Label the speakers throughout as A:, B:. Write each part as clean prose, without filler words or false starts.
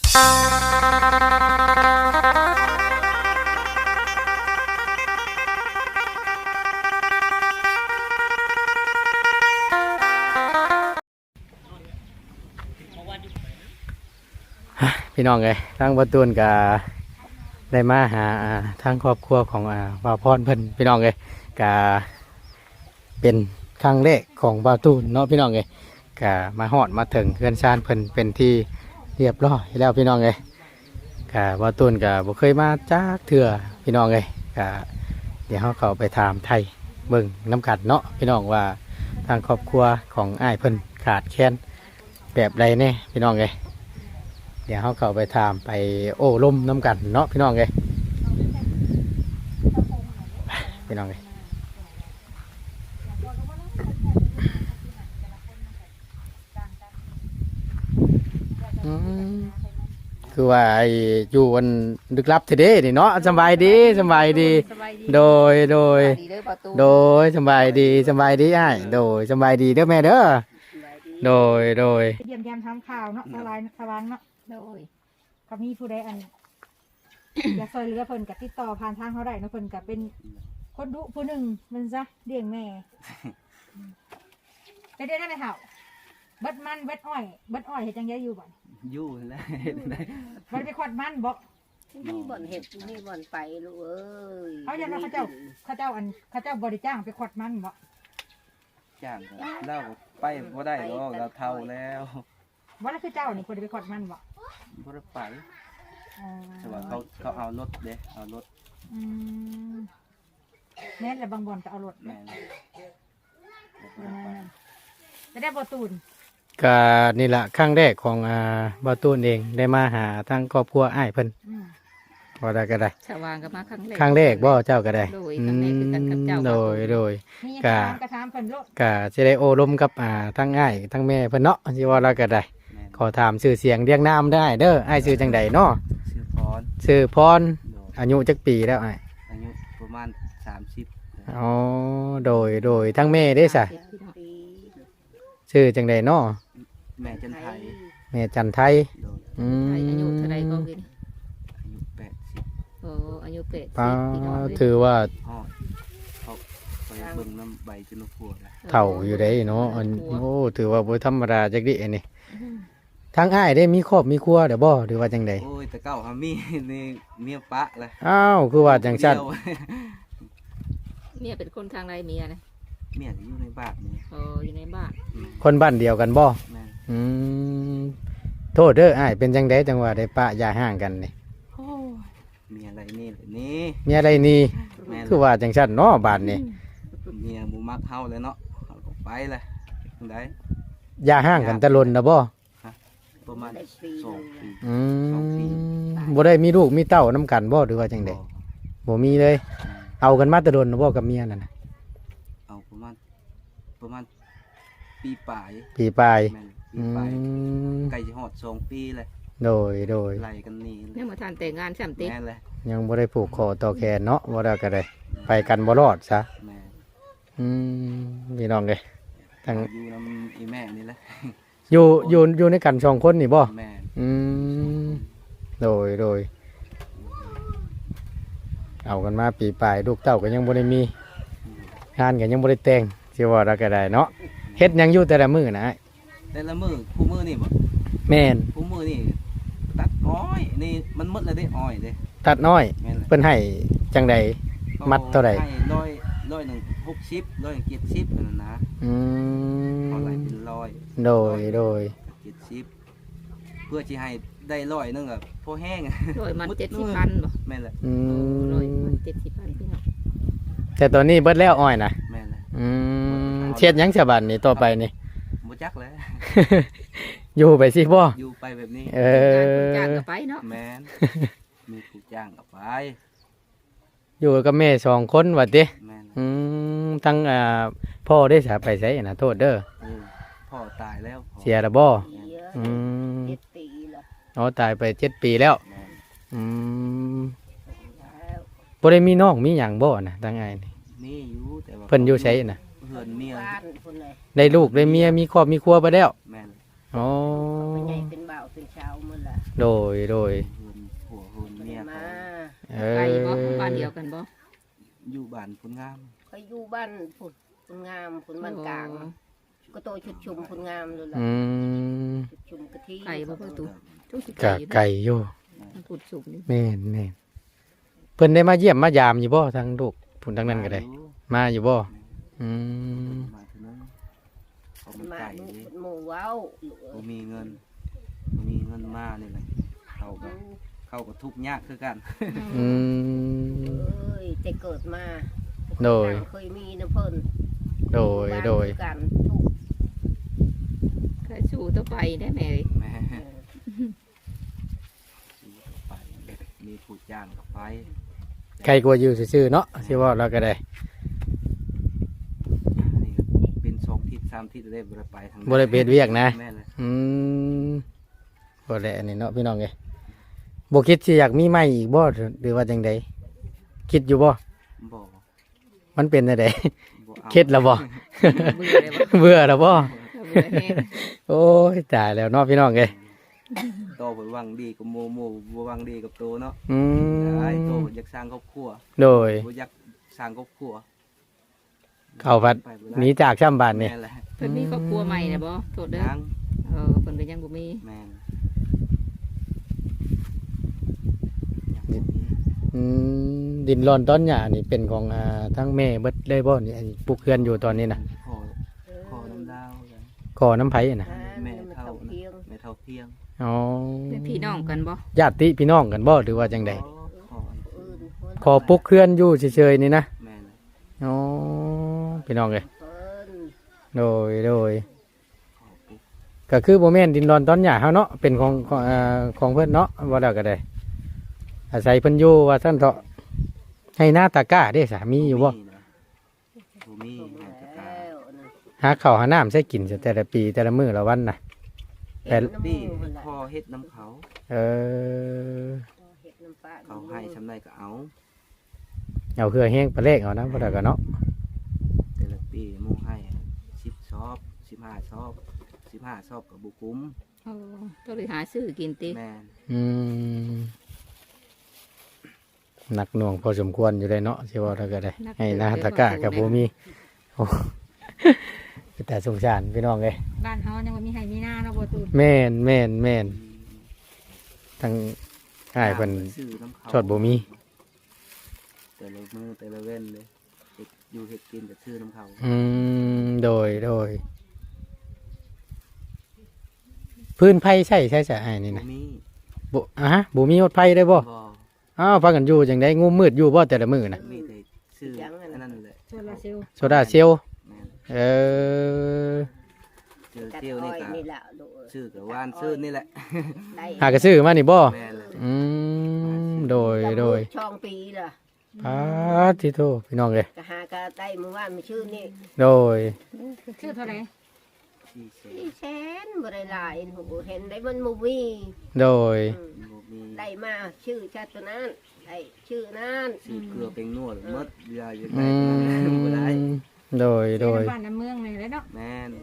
A: พี่น้องเลยทางบ่ตูนก็ได้มาหาทางครอบครัวของบ่าวพรเพิ่นพี่น้องเลยก็เป็นครั้งแรกของบ่าวตูนเนาะพี่น้องเลยก็มาฮอดมาถึงเฮือนชานเพิ่นเป็นที่เรียบร้อยแล้วพี่น้องเลยก็บ่าวตูนก็บ่เคยมาจักเทื่อพี่น้องเลยก็เดี๋ยวเขาไปถามไทยเบิ่งน้ำกัดเนาะพี่น้องว่าทางครอบครัวของอ้ายเพิ่นขาดแคลนแบบใดแน่พี่น้องเลยเดี๋ยวเขาเข้าไปถามไปโอ้ลมน้ำกันเนาะพี่น้องเลยพี่น้องเลยคือว่าอยู่วันดึกลับทีเดีนี่เนาะสบายดีสบายดีโดยโดยสบายดีอ้ายโดยสบายดีเด้อแม่เด้อโดย
B: เยี่ยมยามทำข่าวเนาะสว่างเนาะโดยก็มีผู้ใดอัน อยากซอยเหลือเพิ่นกับติดต่อผ่านทางเขาได้เนาะเพิ่นกับเป็นคนดุผู้หนึ่งมันซะเลี้ยงแม่จะได้ไหมเถ่าเบิดมันเบิดอ้อยเห็ดจังไงอยู่บ่อน
C: อยู่แล้ว
B: มันไปขวดมันบอก
D: มีบ่อนเห็ดมีบ่อนไปลูกเอ้ย
B: เขาอยากเขาเจ้าบริจ้างไปขวดมันบอก
C: จ้างเราไปบ่ได้หรอกเราเท่าแล้ว
B: ว่าแล้วคือเจ้านี่คนไปขวดมันบอก
C: บ่ได้ไปแต่ว่าเขาเอารถเด้เอารถ
B: แม่และบางบ่อนก็เอารถ
C: แม่
B: จะได้บ่ตูน
A: ก็นี่แหละครั้งแรกของบ่ตูนเองได้มาหาทางครอบครัวอ้ายเพิ่นบ่ได้ก็ได้
D: สว่างก็มาครั้
A: งแรกบ่เจ้าก็ได้โดยก็สิได้โอ้ลมกับทั้งอ้ายทั้งแม่เพิ่นเนาะสิว่าเราก็ได้ขอถามชื่อเสียงเรียงนามได้เด้ออ้ายชื่อจังไดเนาะชื่อพรอายุจักปีแล้วอ้าย
C: อายุประมาณ30
A: อ๋อโดยทั้งแม่ได้ซะชื่อจังไดเนาะ
C: แม่จันไทย
A: ไทย
D: อายุเท่าไรก็กิน
C: อายุ80
D: โอ้อายุ80
A: ถือว่า
C: เขาไปเบิ่งน้ำใบจนพัวแล้ว
A: เฒ่าอยู่ได้เนาะโอ้ถือว่าบ่ธรรมดาจักดิอันนี้ทางอ้ายได้มีครอบมีครัวเด้อบ่หรือว่าจังได๋
C: โอ้ยแต่เก่าหามีนี่เมียปะเลย
A: อ้าวคือว่าจังซั่น
D: เมียเป็นคนทางไรเมียนะ
C: เมียอยู่ในบ้านนี่
D: อยู่ในบ้าน
A: คนบ้านเดียวกันบ่โทษเด้ออ้ายเป็นจังได๋จังว่าได้ปะอย่าห่างกันนี่
C: มีอะไรนี่นี่
A: มีอะไรนี่คือว่าจังซั่นเนาะบ้านนี่
C: เมียบ่มักเฮาเลยเนาะเฮาก็ไปเลยจังได๋
A: อย่าห่างกันตะลนนะบ่
C: ประมาณ2 ปี
A: บ่ได้มีลูกมีเต้านำกันบ่หรือว่าจังได๋บ่มีเลยเอากันมาตะลนบ่กับเมียนั่นน่ะ
C: เอาประมาณปีปลายใกล้จะฮอด2 ปีเลย
A: โดย
C: ไล่กันนี่
D: ยังบ่ทันแต่งงาน3 ติ
C: แม่นเลย
A: ยังบ่ได้ผูกคอต่อแขนเนาะบ่ได้ก็ได้ไปกันบ่รอดซะ
C: แม่
A: พี่น้องเด้ทั้ง
C: อยู่นำอีแม่นี่แหละ
A: อยู่ในกัน2คนนี่บ่
C: แม่
A: โดยเอากันมาปีปลายลูกเต้าก็ยังบ่ได้มีงานก็ยังบ่ได้แต่งสิว่าเราก็ได้เนาะเฮ็ดยังอยู่แต่ละมื้อนะ
C: แต่ละมื้อคู่มื้อนี่บ่
A: แม่น
C: คู่มื้อนี่ตัดอ้อยนี่มันหมดแล้วได้อ้อยเด้
A: ตัดน้อยเพิ่นให้จังได๋มัดเท่าใด
C: ให้100 1 60 170นั่นนะเอาไหลเป็น100
A: โดย
C: 70เพื่อสิให้ได้100นึงก็พอแห้ง
D: 100มัน70,000บ่
C: แม่นแหละ
D: 100มัน70,000พี่น้อง
A: แต่ตอนนี้เบิดแล้วอ้อยนะ
C: แม่นแหละ
A: เฮ็ดหยังฉบับนี้ต่อไปนี่
C: บ่จักแล้ว
A: อยู่ไปสิบ่
C: อยู่ไปแบบนี้
D: จ้างก็ไปเนาะ
C: แม่นมีผู้จ้างก็ไป
A: อยู่กับแม่2คนว่าติทั้งพ่อได้สาไปไสน่ะโทษเด้อ
C: พ่อตายแล้ว
A: เสียแล้วบ่
D: 7 ปีแล้ว
A: อ๋อตายไป7 ปีแล้วบ่ได้มีน้องมีหยังบ่น่ะทั้งอ้ายนี่
C: มีอยู่แต่ว่า
A: เพิ่นอยู่ไสน่ะ
C: เพิ่นเมีย
A: ได้ลูกได้เมียมีครอบมีครัวไปแล้ว
C: แม่น
A: อ๋อ
D: ใหญ่เป็นบ่าวเป็น
E: เช้ามื้อละ
A: โดย
C: เฮือนผัวเฮือน
E: บ่
C: เมี
E: ได้
C: ย
E: มา
A: เอ
D: ไกล
A: อ
D: บ่บ้านเดียวกันบ่
C: อยู่บ้านพุ่นงาม
E: เขาอยู่บ้านผุดผุนงามผุนบ้านกลาง ก็โตชุดชุมผุนงามเลยล่ะ
A: อืม
E: ชุดชุมกะทิ
D: ไกลบ่ประตูทุกสิ
A: กะไก่อยู่
D: มันพูดสุกนี่
A: แม่นแม่นเพิ่นได้มาเยี่ยมมายามอยู่บ่ทางลูกพุ่นทางนั้นก็ได้ มาอยู่บ่อืม
C: มาถึงนั้นเขาไม่
E: มา
C: ไก่
E: ลูก
C: เลย
E: หมู่เว้า
C: บ่มีเงินมานี่แหละเขาก็ทุกข์ยากคือกัน
A: อืม
E: เอ้ยแต่เกิดมา
A: โดย
E: เคยมีน้ำเพิ่น
A: โดย โดย
E: บ้านคือกันทุก
D: เคยสู้ต่อไปได้แม่เอ้ย
C: แม่ไปมีผู้จ้างกับไป
A: ใครกลัวอยู่ซื่อๆเนาะสิว่าเราก็ได้
C: นี่เป็น2 ทิศ 3 ทิศได้บ่ได้ไปทาง
A: บ่ได้เป็นเวียกนะ
C: แม่เลย
A: อืมบ่ได้อันนี้เนาะพี่น้องเอ้ยบ่คิดสิอยากมีใหม่อีกบ่หรือว่าจังไดคิดอยู่บ่
C: บ่
A: มันเป็นจังได
C: บ่อา
A: คิดแล้วบ่
D: เบื่อเลยบ่
A: เบื่อแล้วบ่
D: เบื่อแห้ง
A: โอ้ยตายแล้วเนาะพี่น้องเอ้ย
C: โตไปหวังดีกับโมบ่หวังดีกับโตเนาะ
A: อืม
C: ไอ้โตอยากสร้างครอบครัว
A: โดย
C: บ่อยากสร้างครอบครัว
A: เข้าพัด
C: ไปบ่
A: ห
C: ได้
A: นีจากช่ำบ้านนี่
C: แม่นแหละ
D: เพิ่นมีครอบครัวใหม่น่ะบ่โทษเด้อ
C: ยัง
D: เพิ่นก็ยังบ่มี
C: แม่นยังบ่มี
A: อืมดินร้อนต้นหญ้านี่เป็นของทั้งแม่เบิดเลยบ่นี่อันนี้ปลูกเรือนอยู่ตอนนี้น่ะ
C: ขอน้ำดาวกัน
A: ขอน้ำไผน่ะ
C: แม่เท่า
E: เพียง
C: แม่เท่าเพียง
A: อ๋อ
D: เป็นพี่น้องกันบ่
A: ญาติพี่น้องกันบ่หรือว่าจังได
C: ขอ
E: อื่น
A: ขอปลุกเรือนอยู่เฉยๆนี่นะ
C: แม่น
A: อ๋อพี่น้องเอ้ย
E: เพิ่น
A: โดย
C: ขอปุ๊บ
A: ก็คือบ่แม่นดินร้อนต้นหญ้าเฮาเนาะเป็นของเพิ่นเนาะว่าแล้วก็ได้อาศัยเพิ่นอยู่ว่าซั่นเถาะให้หน้าตะกร้าเด้สามีอยู่บ่
C: นะบ่มี
E: ส่ง
C: แม่ตะกา
E: แล้วนะ
A: หาข้าวหาน้ำใช้กินแต่ละปีแต่ละมื้อละวันน่ะ
E: เฮ็ดน้ำ
C: พี่
E: มูกนั่นแหละ
C: พ่อเฮ็ดน้ำเขา
A: เออ
E: เฮ็ดน้ำปลา
C: เขาให้ชำไรก็เอา
A: เอาเครือแห้งปลาเล็กเอานะบ่ได้ก็เนาะ
C: แต่ละปีหมู่ให้10 ซอบ15 ซอบ15 ซอบกับบุกุ้ม
D: เออต้องไปหาซื้อกินติ
C: แม่น
A: อืมหนักหน่วงพอสมควรอยู่เลยเนาะสิว่าแล้วก็ได้ให้หน้าตะกร้ากับบ่มีโอ้ แต่สงสารพี่น้องเอ้ย
B: บ้านเฮายังบ่มีให้มีหน้าเนาะบ่ตูน
A: แม่นทั้งอ้ายเพิ่น
C: ซื้อน้ำเขา
A: ชดบ่มี
C: แต่ละมือแต่ละเว้นเลยเฮ็ดอยู่เฮ็ดกินก็ซื้อน้ำเขา
A: โดยพื้นไผ่ใช่อ้ายนี่
C: บ่
A: นะ
C: มี
A: บ่ฮะบ่มีฮอดไผ่ได้บ่
C: บ่
A: อ้าวพากันอยู่จังได๋งูมืดอยู่บ่แต่ละมื้อน่ะ
C: มีแต่ซื้ออันนั้นแหละ
B: โซลาร์เซลล์
A: โซดาเซลล์
C: แม่น
A: เออ
C: เจอ
E: ตัด
C: เที่ยว
E: อ้
C: นี่
E: อย
C: ก็
E: นี่แหละลูก
C: ซื้อกับว่านซื้อนี่แหละ
E: ได้
A: หากระซื้อมานี่บ่
C: แม่นเลย
A: โดย
E: ช่องปีล่ะ
A: ปาทิโทพี่น้องเลย
E: ก็หาก็ได้เมื่อวานมีชื่อนี่
A: โดย
B: ชื่อเท่าไหร่
C: ที่เส
E: สี่แสนบ่ได้หลายโหเห็นได้มันบ่มี
A: โดย
C: บ่มี
E: ได้มาชื่อชาติตัวนั้นได้ชื่อนั้น
C: ซื้อเกลือเป็นนวดหมดยาอยู่
A: อื
C: ได้บ่ได้
A: มโดย
B: เสียน้ำบ้านน้ำเมืองนี่แหละเนาะ
C: แม่น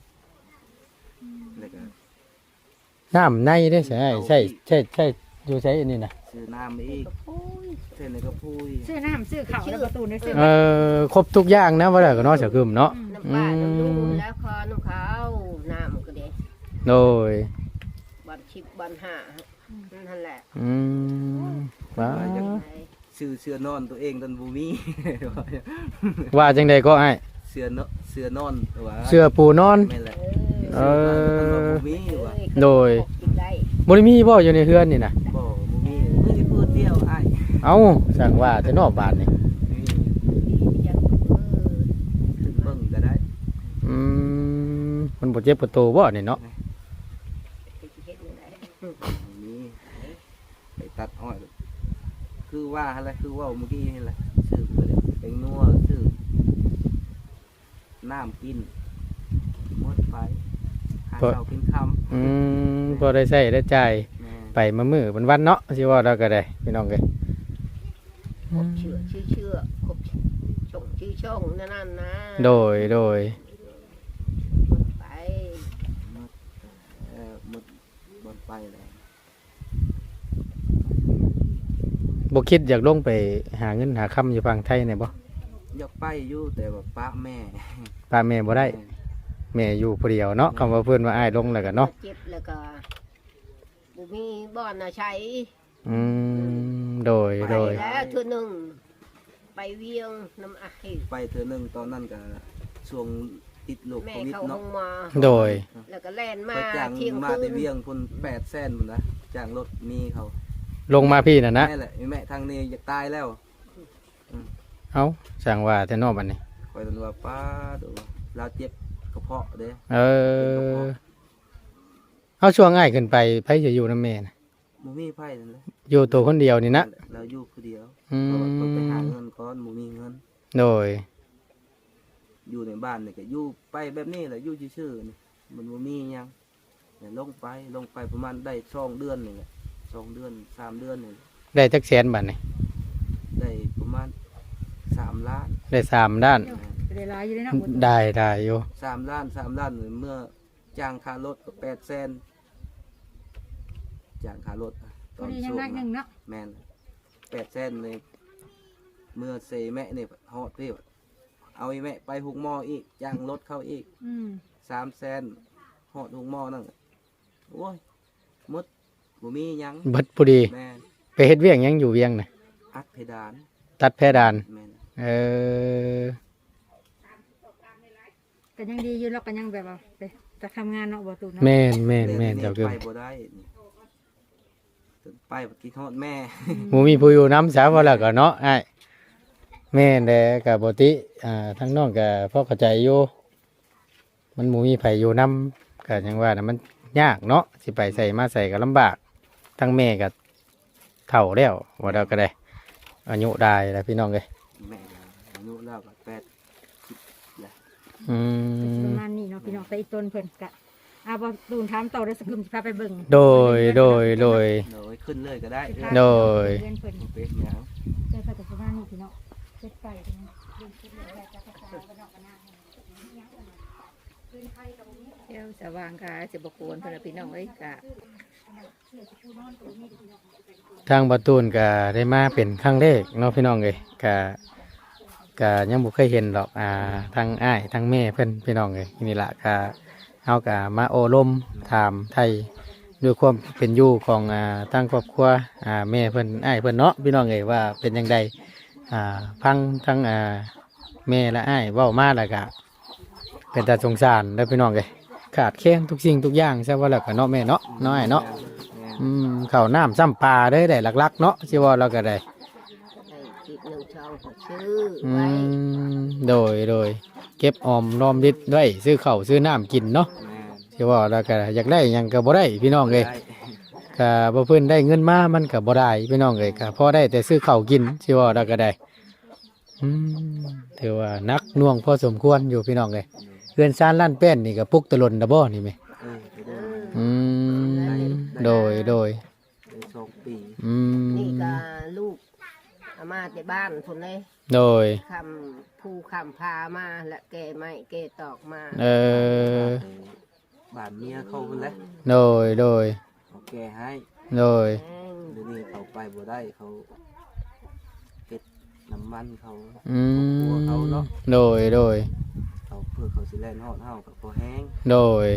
C: แล้วก็
A: น้ำในได้ใช่อยู่ใช้อันนี้นะ
C: ซื้อน้ำอีก
E: โอ้ย
C: เส้นนี่ก็พุย
B: ซื้อน้ำซื้อข้าวแล้วบ่ตูนได้ซื้อ
A: ครบทุกอย่างนะว่าแล้วก็เนาะเสือคืมเนาะ
E: น้ำปลาน้ำดูแล้วคอน้ำขาวน้ำก็เด้
A: โดย
E: บันชิบบันห้านั่นแหละ
A: อืมว้า
C: ซื้อเสื้อนอนตัวเองตอนบ่มี
A: ว่าจังใดก็ไอ้
C: เสื้อนอนตัว
A: เสื้อปูนอน
C: แม่นแหละ
A: เออ
C: บ่มีว่ะ
A: โดย
E: ได้
A: บ่ได้มีบ่อยู่ในเฮือนนี่นะ
C: บ่มีมือที่พูดเดียวอ้าย
A: เอ้าสั่งว่าแต่นอกบ้านนี่
E: จัง
C: ขึ้นเบิ่งก็ได้
A: มันบ่เจ็บปวดโตบ่นี่เนาะ
E: เฮ็ดยังไง
C: มีไปตัดอ้อยคือว่าอะไรคือว่าเมื่อกี้นี่แหละซื้อไปเลยเป็นนัวซื้อน้ำกินหมดไปหาเช้ากินค่ำ
A: พอได้ใช้ได้จ่าย
C: แม่
A: ไปมามื้อวันๆเนาะสิว่าเราก็ได้พี่น้องเอ้ย
E: ครบเชื่อครบช่องนั่นนะ
A: โดย
E: ไป
C: หมดบนไปแล้ว
A: บ่คิดอยากลงไปหาเงินหาคำอยู่ฝั่งไทยเนี่ยบ่
C: อยากไปอยู่แต่ว่าป้าแม่
A: ป้าแม่บ่ได้แม่อยู่ผู้เดียวเนาะคำว่าเพิ่นว่าอ้ายลงแล้วก็เนาะ
E: เจ็บแล้วก็บ่มีบ่อนน่ะใช้
A: โดย
E: ไป
A: โดย
E: แล้วเทื่อหนึงไปเวียงน้ำไอ้
C: ไปเธอหนึ่งตอนนั้นก็ช่วงติดโรค
E: แม่
C: โควิด
E: เข้าห้
C: เนาะ
E: องมา
A: โดย
E: แล้วก็แล่นมา
C: ไปจ้าง
E: เที่ยง
C: มา
E: คื
C: แต่
E: น
C: เวียงพุ่น800,000พุ่นนะจ้างรถมีเขา
A: ลงมาพี่น่ะนะ
C: แม่แหละแม่ทางนี้อยากตายแล้ว
A: เอ้าสั่งว่าแต่นอกบัดนี้
C: คอยตันว่าป้าดูเราเจ็บกระเพาะเด้
A: เออเอาช่วงง่ายขึ้นไปไผจะอยู่นำแม่น่ะ
C: บ่มีไผนั่นแหละ
A: อยู่ตัวคนเดียวนี่นะ
C: เราอยู่คนเดียว
A: อื
C: เพราะว่าต้องไปหา
A: ม
C: เงินก่อนบ่มีเงิน
A: โดย
C: อยู่ในบ้านนี่ก็อยู่ไปแบบนี้แหละอยู่ซื่อๆนี่มันบ่มีหยังเนี่ยลงไปประมาณได้2 เดือนนี่แหละ2 เดือน3 เดือนนี่
A: ได้จักแสนบัดนี้
C: ได้ประมาณ3 ล้าน
A: ได้3ด้าน
B: ก็ได้หลายอยู่เลยเนาะบ่
A: ได้อยู่
C: 3 ล้าน3 ล้านเมื่อจ้างค่ารถก็800,000จ้างค่ารถต
B: พอ
C: อน
B: ดียัง
C: ช่ว
B: นั
C: ง
B: กหนึงเนาะ
C: แม่น800,000เลยเมื่อเซแม่นี่ฮอดพี่เอาไอ้แม่ไปหุกหม้ออีกจ้างรถเข้าอีก 300,000ฮอดหุกหม้อนั่นโอ้ยหมดบ่มีหยัง
A: เบิดพอดี
C: แม่น
A: ไปเฮ็ดเวียกหยังอยู่เวียงน่ะ
C: อัดเพดาน
A: ตัดเพดาน
C: แม่น
A: เออ
B: ก็ยังดีอยู่เนาะก็ยังแบบว่าไปจะทำงานเนาะบ่ตูนเนาะ
A: แม่นเจ้าเกิ
C: ไป
A: ม
C: บ่ได้นี่ถึงไปบ่คิดฮอดแม่
A: หมูมีผู้อยู่น้ำสาวว่าแล้วก็เนาะอ้ายแม่นแดก็บ่ติทั้งน้องก็พอเข้าใจอยู่มันหมูมีไผอยู่น้ำก็ยังว่าน่ะมันยากเนาะสิไปใส่มาใส่ก็ลำบากทั้งแม่ก็เฒ่าแล้วว่าแล้วก็ได้อายุได้แล้วพี่น้องเอ้ย
C: แม่ก็อายุแล้วก็8
A: อื
B: ประ
A: ม
B: มาณนี้เนาะพี่น้องแต่อีต้นเพิ่นก็บ่ตูนถามต่อเด้อสกึมสิพาไปเบิ่ง
A: โดย
C: โดยขึ้นเลยก็ได้
A: โดย
B: เพื่อนเพิ่น
C: เป็นหยัง
B: เจอแต่ประมาณนี้พี่น้องเฮ็ดไปเนาะเรื่องคิดเลยว่าจะภาษาบ้านนอกบ้านนาขึ้นไผกับบ่มี
D: เดี๋ยวสว่างกาสิบกวนเพื่อนพี่น้องเอ้ยกะ
A: ทางประตูนก็ได้มาเป็นครั้งแรกเนาะพี่น้องเอ้ยก็ยังบ่เคยเห็นหรอกทางอ้ายทางแม่เพิ่นพี่น้องเอ้ยนี่ล่ะก็เฮาก็มาโอลมถามไทยด้วยความเป็นอยู่ของทางครอบครัวแม่เพิ่นอ้ายเพิ่นเนาะพี่น้องเอ้ยว่าเป็นจังไดฟังทั้งแม่และอ้ายเว้ามาแล้วก็เป็นตาสงสารเด้อพี่น้องเอ้ยขาดแคลนทุกสิ่งทุกอย่างใช่ว่าแล้วก็เนาะแม่เนาะน้อยเนาะ ข้าวน้ำซ้ำปลาได้ได้หลักๆเนาะชิว่าเราก็ได้
E: ได้กิบหนึ่งช่องก็ซื้อ
A: อื
E: ไว้
A: โดยเก็บออมรอมริดไว้ซื้อข้าวซื้อน้ำกินเนาะ
C: แม่
A: ชิว่าเราก็อยากได้หยังก็บ่ได้พี่น้องเลย
C: ได้
A: ก็บ่เพิ่นได้เงินมามันก็บ่ได้พี่น้องเลยก็พอได้แต่ซื้อข้าวกินชิว่าเราก็ได้ถือว่านักหน่วงพอสมควรอยู่พี่น้องเลยเพื่อนซ่านล้านแป้นนี่ก็ปลุกตะลนดะบ่นี่แม่
C: ไปเด้อ
A: อืมโดย
C: ได้2 ปี
E: นี่ก็ลูกเอามาแต่บ้านคนเลย
A: โดย
E: คำผู้คำพามาและแกไม่แกตอกมา
C: บ้านเมียเขาพุ่นแหละ
A: โดย
C: เขาแก้ให้
A: โดย
E: แห้ง
C: เดี๋ยวนี้เขาไปบ่ได้เขาเฮ็ดน้ำมันเขา
A: อืม
C: ครัวเขาเนาะ
A: โดย
C: เขาเพื่อเขาสิแล่นฮอดเฮากับพอแห้ง
A: โดย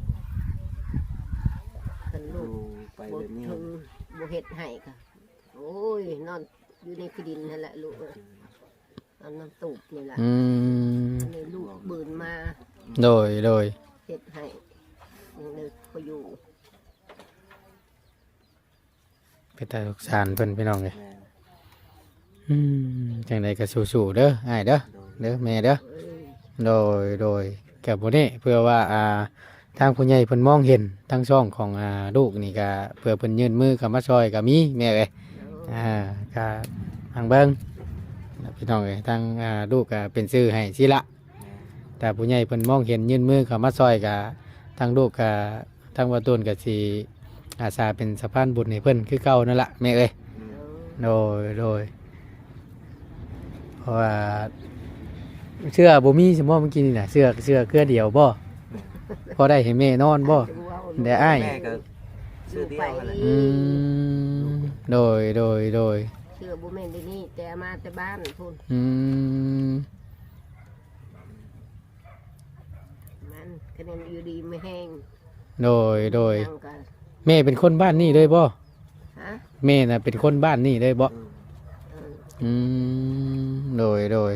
E: เป็นลู
C: ดู
E: ก
C: ไป
E: บ่
C: แบบนี้
E: ถึงบ่เฮ็ดให้ค่ะโอ้ยนอนอยู่ในคือดินนั่นแหละลูกเอ้ยเอาน้ำตูบนี่แหละ
A: อืม
E: อันนี้ลูกบืนมา
A: โดย
E: เฮ็ดให้ยังเลยพออยู่
A: เป็นตาสงสารเพิ่นพี่น้องเลย
C: แม่
A: จังใดก็สู้ๆเด้ออ้ายเด้อ
C: โดย
A: เด้อแม่เด้อ
E: เอ้ย
A: โดยกับบ่นี้เพื่อว่าทางผู้ใหญ่เพิ่นมองเห็นทั้งช่องของลูกนี่ก็เพื่อเพิ่นยื่นมือเข้ามาช่วยก็มีแม่เอ้ยก็ทางเบิ่งพี่น้องเอ้ยทางลูกก็เป็นชื่อให้สิละ แต่ผู้ใหญ่เพิ่นมองเห็นยื่นมือเข้ามาซอยกับทางลูกกับทางวัดต้นกับสีอาสาเป็นสะพานบุญให้เพิ่นคือเก่านั่นแหละแม่เอ้ยโดยเพราะว่าเสื้อบ่มีสมมติเมื่อกี้นี่น่ะเสื้อเครือเดียวบ่พอได้ให้แม่นอนบ่
E: จะว่า
A: เดี๋ยวอ้าย
C: แม่ก็ซื้อเดียวกันแหละ
A: อืมโดยโดย
E: เชื่อบุเมนที่นี่แต่มาแต่บ้านพุ่น
A: อืม
E: มันคะแนนอยู่ดีไม่แห้ง
A: โดย
E: ยังกัน
A: แม่เป็นคนบ้านนี่เลยบ่
E: ฮะ
A: แม่น่ะเป็นคนบ้านนี่เลยบ่
C: อืม
E: เออ
A: อืมโดย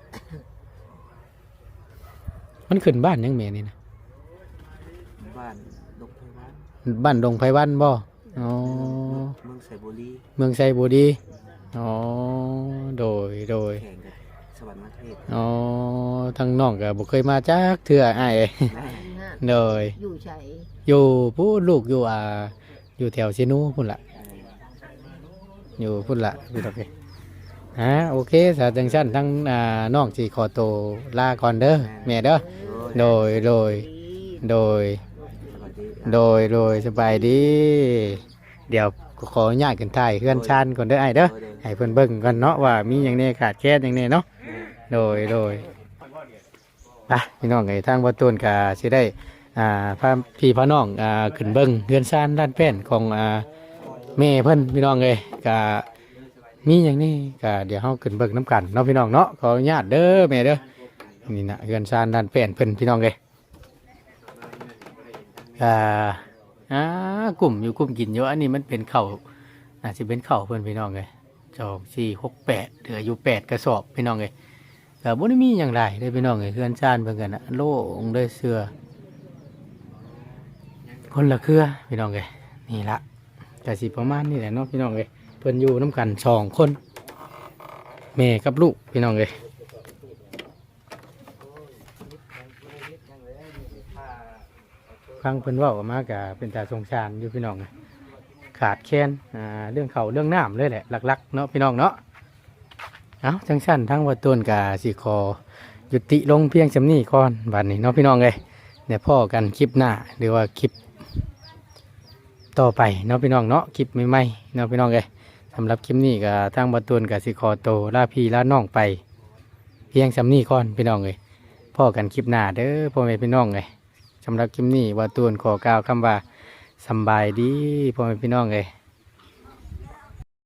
A: มันขึ้นบ้านยังแม่นี่นะ
C: บ้านดงไพวัน
A: บ้านดงไผวันบ่อ๋อ
C: เมืองไซบุรี
A: เมืองไซบูดีอ๋อโดย
C: แข่งกับสวรรค์มาเทศ
A: อ๋อทางน้องก็บ่เคยมาจักเทื่ออ้ายเอ้ย
E: ฮะ
A: โดย
E: อยู่ใช้
A: อยู่ผู้ลูกอยู่อยู่แถวเชนูพุ่นล่ะอยู่พุ่นล่ะพี่ดอกเอ้ยโอเคสาจังซั่นทั้งน้องสิขอตัวลาก่อนเด้อแม่เด้อโดย
E: ดี
C: สวัสดี
A: โดยสบายดี เดี๋ยวขออนุญาตกันถ่ายเพื่อนชานก่อนเด้อไอ้เด้อให้เพิ่นเบิ่งก่อนเนาะว่ามีหยังแน่ขาดแคลนหยังแน่เนาะโดยไปพี่น้องไอ้ทางบ่ตูนก็สิได้พาพี่พาน้องขึ้นเบิ่งเพื่อนชานด้านแป้นของแม่เพิ่นพี่น้องเอ้ยก็มีหยังนี่ก็เดี๋ยวเฮาขึ้นเบิ่งนํกันเนาะพี่น้องเนาะขออนุญาตเด้อแม่เด้อนี่นะเพื่อนชานด้านแป้นเพิ่นพี่น้องเอ้ยกลุ่มอยู่กลุ่มกินอยู่อันนี้มันเป็นเข่าอาจจะเป็นเข่าเพื่อนพี่น้องเลย2 4 6 8เหลืออยู่8 กระสอบพี่น้องเลยแต่บ่ได้มีอย่างไรเลยพี่น้องเลยเพื่อนชานเพื่อนกันนะโล่งเลยเสือคนละเครือพี่น้องเลยนี่ละแต่สิประมาณนี่แหละเนาะพี่น้องเลยเพื่อนอยู่น้ำกัน2 คนแม่กับลูกพี่น้องเลยฟังเพิ่นเว้าออกมากะเป็นตาสงสารอยู่พี่น้องขาดแคลนเรื่องเขาวเรื่องน้ำเลยแหละหลักๆเนาะพี่น้องเนาะเอาจังสั้นทั้งวัดต้นกาสิขอยุติลงเพียงจำนี้ก่อนบัดนี้เนาะพี่น้องเลยเดี๋ยวพ่อกันคลิปหน้าหรือว่าคลิปต่อไปเนาะพี่น้องเนาะคลิปใหม่ๆเนาะพี่น้องเลยสำหรับคลิปนี้ก็ทางวัดต้นกาสิขอโตวลาพี่ลาน้องไป เพียงจำนี้ก่อนพี่น้องเลยพ่อกันคลิปหน้าเด้อพ่อแม่พี่น้องเลยสำหรับคลิปนี้ว่าตูนขอกล่าวคำว่าสำบายดีพ่อแม่พี่น้องเลย